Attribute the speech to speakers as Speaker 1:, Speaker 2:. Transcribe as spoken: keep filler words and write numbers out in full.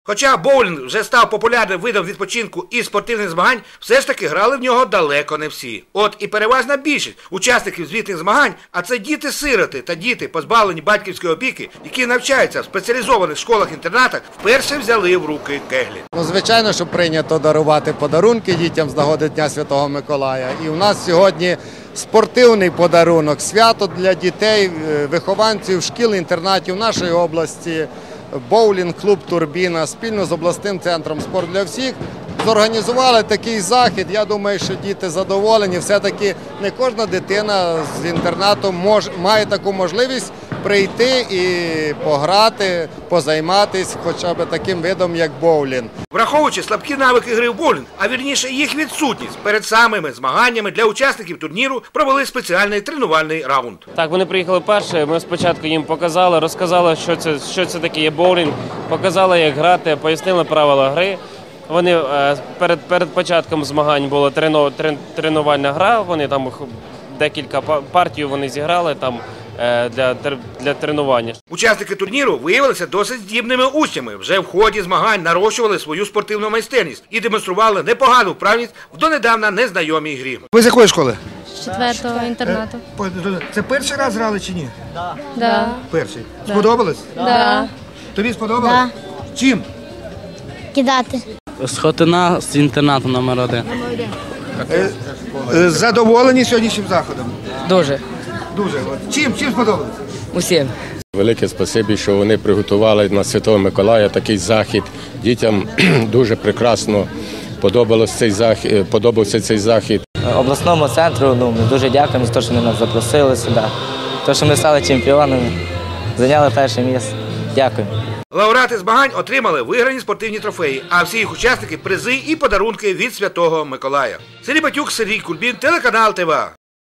Speaker 1: Хоча боулінг вже став популярним видом відпочинку і спортивних змагань, все ж таки грали в нього далеко не всі. От і переважна більшість учасників звітних змагань, а це діти-сироти та діти, позбавлені батьківської опіки, які навчаються в спеціалізованих школах-інтернатах, вперше взяли в руки кеглі.
Speaker 2: Ну, звичайно, що прийнято дарувати подарунки дітям з нагоди Дня Святого Миколая. І у нас сьогодні спортивний подарунок, свято для дітей, вихованців шкіл, інтернатів нашої області. Боулінг-клуб «Турбіна» спільно з обласним центром «Спорт для всіх» зорганізували такий захід. Я думаю, що діти задоволені. Все-таки не кожна дитина з інтернату може, має таку можливість прийти і пограти, позайматися хоча б таким видом, як боулінг.
Speaker 1: Враховуючи слабкі навики гри в боулінг, а вірніше їх відсутність, перед самими змаганнями для учасників турніру провели спеціальний тренувальний раунд.
Speaker 3: Так, вони приїхали перші, ми спочатку їм показали, розказали, що це, що це таке є боулінг, показали, як грати, пояснили правила гри. Вони перед, перед початком змагань була трену, трен, тренувальна гра, вони там декілька партій вони зіграли там для, для тренування.
Speaker 1: Учасники турніру виявилися досить здібними учнями. Вже в ході змагань нарощували свою спортивну майстерність і демонстрували непогану вправність в донедавна незнайомій грі. Ви з якої школи?
Speaker 4: З четвертого інтернату.
Speaker 1: Це перший раз грали чи ні?
Speaker 4: Так. Да.
Speaker 1: Перший. Да. Сподобалось?
Speaker 4: Так. Да.
Speaker 1: Тобі сподобалось?
Speaker 4: Да.
Speaker 1: Чим?
Speaker 4: Кидати.
Speaker 5: Схотина з інтернату номер один.
Speaker 1: Задоволені сьогоднішнім заходом?
Speaker 5: Дуже.
Speaker 1: Дуже. Чим? Чим сподобалось?
Speaker 5: Усім.
Speaker 6: Велике спасибі, що вони приготували на Святого Миколая такий захід. Дітям дуже прекрасно подобався цей захід, подобався цей захід.
Speaker 5: Обласному центру ну, ми дуже дякуємо за те, що вони нас запросили сюди. Те, що ми стали чемпіонами, зайняли перше місце. Дякую.
Speaker 1: Лауреати змагань отримали виграні спортивні трофеї, а всі їх учасники – призи і подарунки від Святого Миколая. Сергій Батюк, Сергій Кульбін, телеканал ТВА.